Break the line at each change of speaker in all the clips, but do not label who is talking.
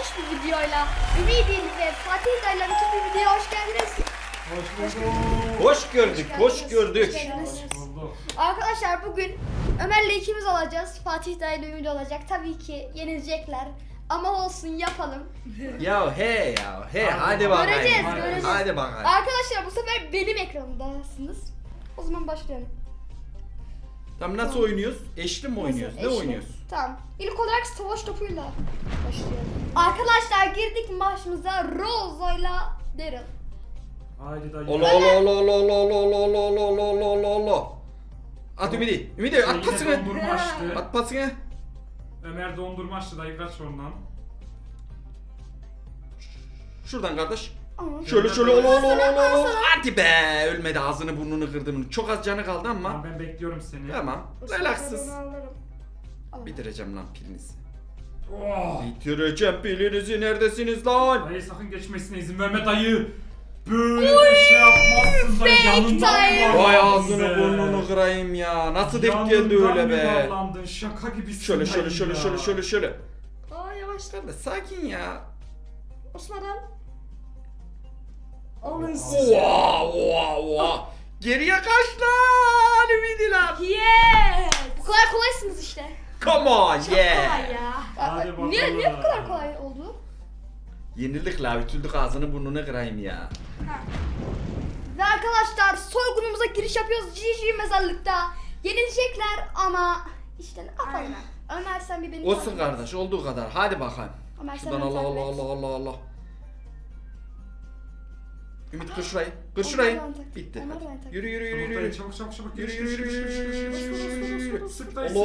müthiş bir videoyla Ümidin ve Fatih Dayı'yla müthiş bir videoya hoş geldiniz.
Hoş gördük, hoş gördük.
Hoş geldiniz. Arkadaşlar bugün Ömer'le ikimiz olacağız. Fatih Dayı'yla Ümit olacak. Tabii ki yenilecekler. Ama olsun yapalım.
Ya hadi bakayım.
Göreceğiz.
Hadi bakayım.
Arkadaşlar bu sefer benim ekranımdasınız. O zaman başlayalım.
Tamam nasıl oynuyoruz? Eşli mi oynuyoruz? Ne
Eşli.
oynuyoruz?
Tamam. İlk olarak savaş topuyla başlayalım. Arkadaşlar girdik maçımıza Rozo'yla Daryl.
Haydi dayı.
Ola. At Ümidi. Ümidi at
Yine
pasını.
dondurmaçtı.
At pasını.
Ömer dondurmaçtı dayı kaç ondan.
Şuradan kardeş.
Ama
Şöyle ola. Hadi be. Ölmedi ağzını burnunu kırdım. Çok az canı kaldı ama.
Tamam ben bekliyorum seni.
Tamam. Relaksız.
Alalım.
Bitireceğim lan pilinizi.
Oh.
Bitireceğim pilinizi. Neredesiniz lan?
Dayı sakın geçmesine izin verme dayı. Böyle bir şey yapmazsın dayı.
Fake
Yanından
dayı.
yuvarlandın
Vay ağzını
be.
burnunu kırayım ya. Nasıl denk
Yanından
geldi öyle be?
yuvarlandın. Şaka gibisin
Şöyle
dayı ya.
şöyle.
Aa yavaş.
Kardeş sakin ya.
Osman al. Alın
Oha. Geriye kaç lan Ümidiler.
Yes. Bu kadar kolaysınız işte.
Come on
Çok
yeah.
kolay ya.
Hadi bakalım.
Niye bu kadar kolay oldu?
Yenildik la ütüldük ağzını burnunu kırayım ya.
Ve arkadaşlar soygunumuza giriş yapıyoruz GG mezarlıkta. Yenilecekler ama işte ne yapalım? Ömer sen bir beni
Olsun
takip et.
kardeş olduğu kadar. Hadi bakalım.
Ömer sen
Şuradan
beni takip et.
Allah. Ümit kır şurayı. Kır şurayı.
Ömer ben takip-
Bitti.
Ömer
Hadi.
ben takip-
Yürü.
Çabuk dayı çabuk.
Yürü.
Sık dayı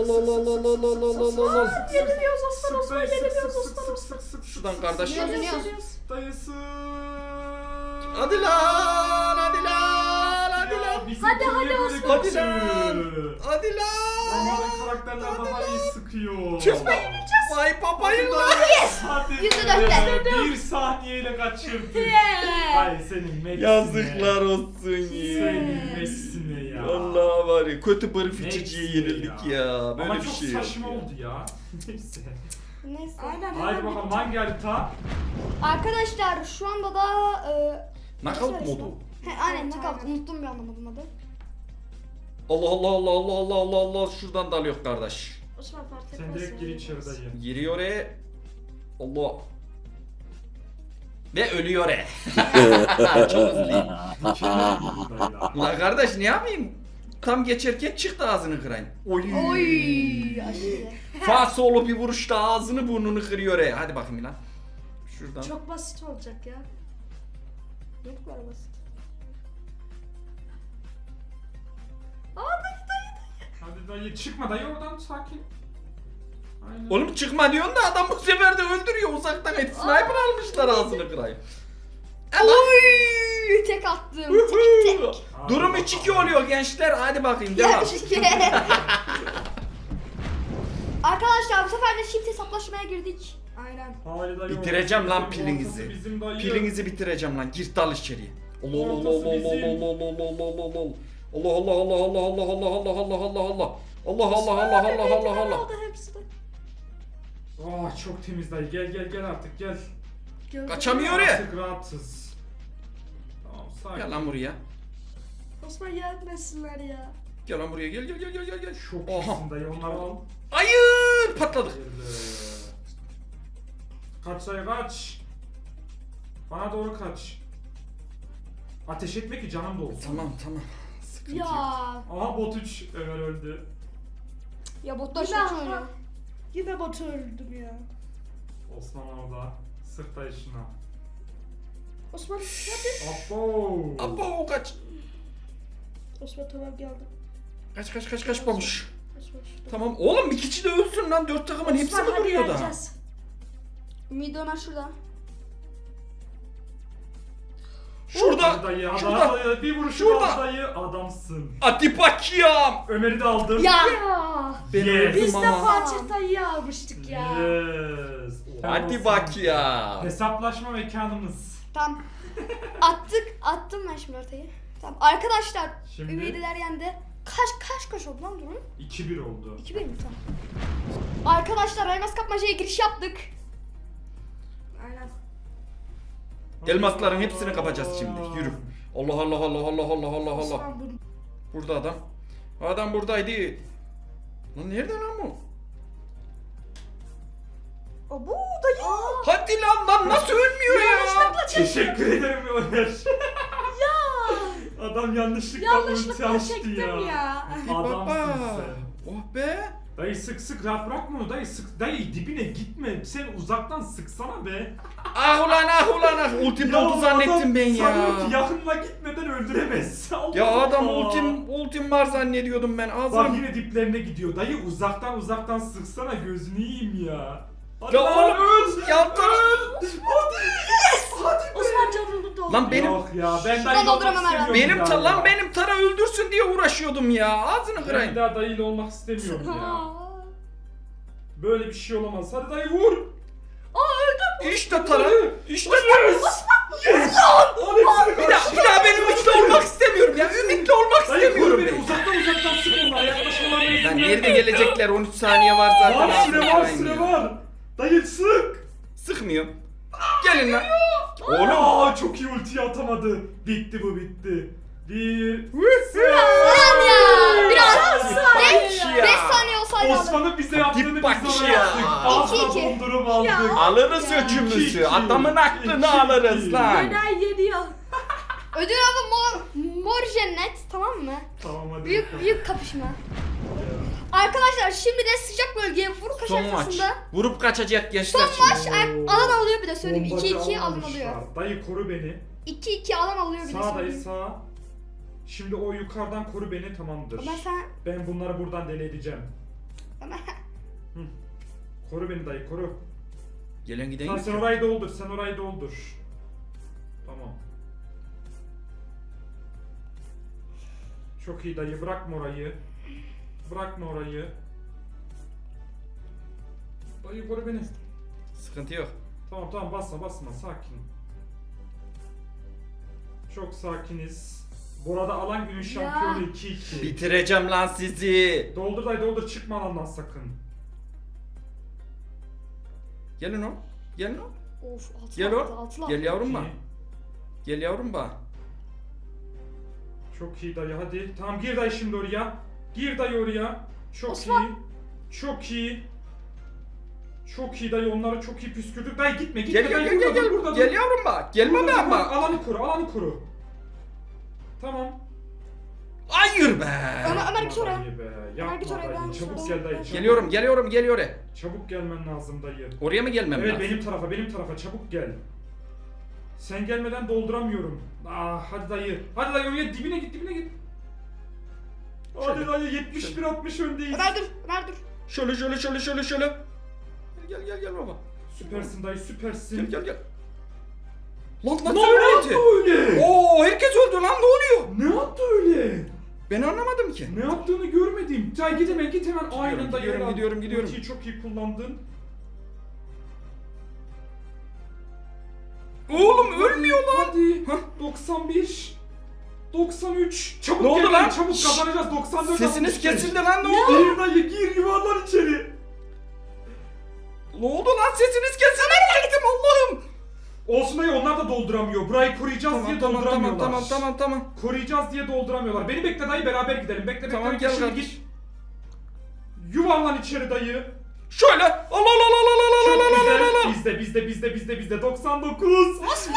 Allah.
Yeniliyoruz Osman
Sık
Osman
dayı
yeniliyoruz Osman.
sık.
Şuradan kardeş.
Yeniliyoruz.
Dayı sık.
Hadi lan.
Hadi Osman.
Hadi lan.
Onların karakterler daha iyi sıkıyor.
Çok vay papayım lan.
Hadi
%4'te.
be, bir saniyeyle kaçırdık. Ay senin Messi'ne.
Yazıklar olsun
Senin
ya.
Messi'ne ya.
Allah var ya kötü barı fiçiciye
Messi
yenildik ya. Böyle
Ama
bir
çok
şey yok
saçma
ya.
oldu ya. Neyse.
Neyse.
Haydi bakalım hangi harita?
Arkadaşlar şu anda da
Knockout modu.
aynen knockout. Unuttum bir anlamadım adı.
Allah. Şuradan dalıyor kardeş.
Osman fark
Sen direkt gir içeri dayı.
Giriyor Allah. Ve ölüyor Çok hızlıyım.
Mükemmel oldu dayı ya.
La kardeş ne yapayım? Tam geçerken çıktı ağzını kırayım. Oy.
Aşırı.
Sağ solu bir vuruşta ağzını burnunu kırıyor Hadi bakayım lan. Şuradan.
Çok basit olacak ya. Ne bu kadar basit?
Hadi dayı çıkma dayı oradan sakin. Aynen.
Oğlum çıkma diyorsun da adam bu sefer de öldürüyor uzaktan et. Sniper almışlar ağzını kırayım.
Oy! Tek attım. Tek.
Durum 3-2 oluyor gençler. Hadi bakayım devam.
Arkadaşlar bu sefer de shift hesaplaşmaya girdik. Aynen.
Haydi dayı,
Bitireceğim lan
ortası
pilinizi.
bizim dayı.
Pilinizi bitireceğim lan. Gir dal içeriye. Allah
Ortası bizim.
Allah.
Oldu hepsi de.
Oh çok temiz dayı gel artık gel.
Kaçamıyor ya.
Artık rahatsız. Tamam sakin.
Gel lan buraya.
Osman gelmesinler ya.
Gel lan buraya gel.
Çok
Oha.
iyisin dayı onları al.
Hayır patladık.
Hayırlı. Kaç dayı kaç. Bana doğru kaç. Ateş etme ki canım da olsun.
Tamam. Sıkıntı
Ya.
yok.
Aha bot 3 Ömer öldü.
Ya botlar
Yine
çok oynuyor.
Yine botu öldüm ya.
Osman orada. Sık dayı şuna.
Osman hadi.
Abo.
Abo kaç.
Osman tamam geldim.
Kaç babuş.
Osman şurada.
Tamam oğlum bir kişi de ölsün lan. 4 takımın hepsi mi
Osman, hadi
duruyor da?
yeneceğiz.
Ümidi Ömer şurada.
Şurada.
Dayı,
Şurada.
dayı, bir vuruş
Şurada.
daha dayı adamsın.
Hadi bakayım.
Ömer'i de aldım.
Ya.
Ya.
Ben
Yes.
öldüm
Biz de
ama.
Fatih dayıyı almıştık ya.
Yes.
Hadi bak ya.
Hesaplaşma mekanımız.
Tamam. Attım ben şimdi ortayı. Tamam arkadaşlar.
Şimdi-
Ümidiler yendi. Kaç oldu lan durum?
2-1 oldu.
2-1 mi tamam. Arkadaşlar Elmas Kapmaca'ya giriş yaptık.
Elmasların hepsini kapacağız şimdi. Yürü. Allah Allah Allah Allah Allah Allah Allah.
Osman bunu.
Burada adam. Adam buradaydı. Lan nerede lan bu?
O bu dayı.
Hadi lan nasıl ölmüyor ya?
Yanlışlıkla çektim.
Teşekkür ederim Ömer.
Ya.
Adam yanlışlıkla ulti
Yanlışlıkla
açtı
çektim ya.
Adamsın
Baba.
sen.
Oh be.
Dayı sık rahat bırakma onu dayı sık. Dayı dibine gitme. Sen uzaktan sıksana be.
Ah ulan ah ulan ah. Ultim oldu zannettim ben ya.
Sanıyor ki yakınına gitmeden öldüremez. Allah
Ya adam
Allah.
ultim var zannediyordum ben.
Bak
Ağzım.
yine diplerine gidiyor. Dayı uzaktan sıksana gözünü yiyeyim ya. Hadi
Ya
lan,
oğlum yaptın.
Hadi be.
Osman canını doldu.
Lan benim
Yok ya ben
Şuradan
dayıyla olmak
dolduramam herhalde.
istemiyorum
benim
ya.
lan benim Tara öldürsün diye uğraşıyordum ya. Ağzını
Ben
kırayım.
bir daha dayıyla olmak istemiyorum ya.
Aa.
Böyle bir şey olamaz. Hadi dayı vur.
İşte Tara. İşte
Yes.
bir daha benim ümitle olmak istemiyorum ya. Ümitli olmak
Dayı vur
istemiyorum
beni.
ben.
Uzaktan sık onlara. Yaklaşmalarına izin
Lan
verme.
nerede gelecekler? 13 saniye var zaten.
Var
Ağzını
süre var
kırayım
süre
ya.
var. Dayı sık.
Sıkmıyor. Gelin lan. Oğlum.
Aa çok iyi ultiyi atamadı. Bitti bu bitti. Bir.
Lan ya. Biraz.
saniye ya.
5 saniye olsaydı alırım.
Osman'ın bize yaptığını
Dip bak
biz ona
ya.
yaptık. Ağzına
2-2.
dondurum aldık.
Ya.
Alırız
Ya.
öcümüzü.
2-2.
Adamın aklını
2-2.
alırız lan.
Yenen yeniyor.
Ödül avı mor cennet, tamam mı?
Tamam hadi.
Büyük
bakalım.
büyük kapışma. Arkadaşlar şimdi de sıcak bölgeye vuru kaç
Son maç.
haritasında.
Vurup kaçacak gençler
Son maç
şimdi.
alan alıyor, bir de söyleyeyim.
Bombacı
2-2 alan
almışlar.
alıyor.
Dayı koru beni.
2-2 alan alıyor, bir de
Sağ dayı
söyleyeyim.
sağ. Şimdi o yukarıdan koru beni tamamdır.
Ömer sen...
Ben bunları buradan deli edeceğim.
Ömer...
Koru beni dayı koru.
Gelen giden
Sen,
yok.
sen orayı doldur sen orayı doldur. Tamam. Çok iyi dayı bırakma orayı. Bırakma orayı. Dayı koru beni.
Sıkıntı yok.
Tamam basma sakin. Çok sakiniz. Bu arada alan günün şampiyonu 2-2.
Bitireceğim lan sizi.
Doldur dayı doldur çıkma alandan sakın.
Gelin o. Gelin o.
Of, altı
Gel
altı,
o.
altı
Gel
altı.
yavrum bak.
İyi.
Gel yavrum bak.
Çok iyi dayı hadi. Tamam gir dayı şimdi oraya. Gir dayı oraya. Çok
Osman.
iyi. Çok iyi. Çok iyi dayı onları çok iyi püskürdük. Dayı gitme
Gel gel
dayı
gel gel.
burada dur,
Gel,
burada
gel
dur.
yavrum bak. Gelme
Burada
ben
dur,
bak.
Alanı koru. Tamam.
Hayır be.
Ömer git oraya.
Dayı be.
Ömer git
Yapma
oraya,
dayı.
ben
Çabuk
sonra-
gel dayı. Çabuk.
Geliyorum geliyor.
Çabuk gelmen lazım dayı.
Oraya mı gelmem
Evet
lazım?
benim tarafa çabuk gel. Sen gelmeden dolduramıyorum. Hadi dayı. Hadi dayı oraya dibine git. Hadi
Şöyle.
dayı 71-60 öndeyiz.
Ömer dur, Ömer dur.
Şöyle. Gel baba.
Süpersin dayı süpersin.
Gel. Lan
Ne
nasıl
yaptı
öyleydi?
öyle?
Oo herkes öldü lan ne oluyor?
Ne yaptı öyle?
Ben anlamadım ki.
Ne yaptığını görmedim. Cay git hemen aynen dayı.
gidiyorum.
Ultiyi çok iyi kullandın.
Oğlum ölmüyor lan.
Hadi.
Hah.
91. 93. Çabuk
Ne oldu
gel
lan?
dayı, çabuk
Şşş.
kazanacağız. 94.
Sesiniz
65.
kesildi lan ne oldu?
Gir dayı gir yuvarlan içeri.
Ne oldu lan sesiniz kesildi. Nereye gittim Allah'ım?
Olsun dayı onlar da dolduramıyor. Burayı koruyacağız diye dolduramıyorlar.
Tamam.
Koruyacağız diye dolduramıyorlar. Beni bekle dayı beraber gidelim. Bekle
Tamam,
bekle
gel
şimdi
kardeş.
git. Yuvarlan içeri dayı.
Şöyle. Allah.
Çok güzel. Bizde. 99.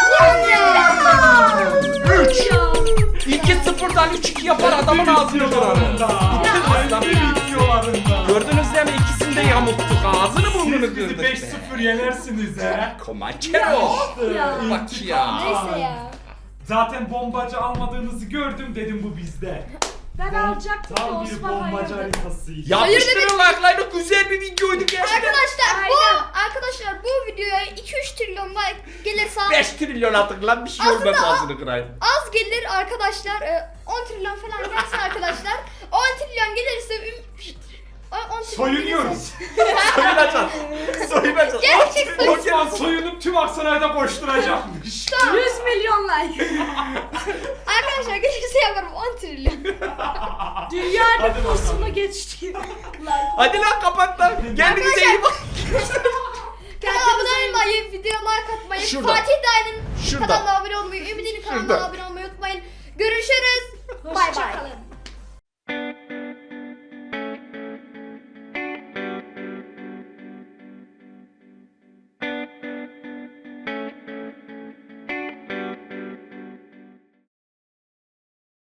Ya.
3. 2-0'dan 3-2 yapar adamın ağzını kırarım.
Videolarında.
Gördünüz değil mi? İkisini de yamulttuk. Ağzını burnunu
Siz bizi
kırdık.
5-0 yenersiniz he.
Komançero.
Ya.
Bak ya.
Neyse ya.
Zaten bombacı almadığınızı gördüm dedim bu bizde.
Ben alacaktım da
Tam bir
Osman
bombacı
hayırdır.
haritasıydı.
Yapıştırın like'larını, güzel bir videoydu gerçekten.
Arkadaşlar bu videoya 2-3 trilyon like gelirse
5 trilyon attık lan bir şey olmaz
Aslında-
ağzını kırayım.
az gelir arkadaşlar. 10 trilyon falan gelsin arkadaşlar. 10 trilyon gelirse 10 trilyon
Soyunuyoruz.
Soyunacağız.
Gerçekten.
Osman soyunup tüm Aksaray'da boşturacakmış.
100 milyon like.
Arkadaşlar gelirse yaparım 10 trilyon.
Dünya
Hadi
nüfusunu
bakalım.
geçti.
Hadi lan kapat lan. Kendinize iyi bak.
Kanala abone olmayı, video like atmayı,
Şurada.
Fatih Dayı'nın
Şurada.
Kanala abone olmayı, Ümit'in kanalına
Şurada.
abone olmayı unutmayın. Görüşürüz. Bay bay.
Hoşçakalın.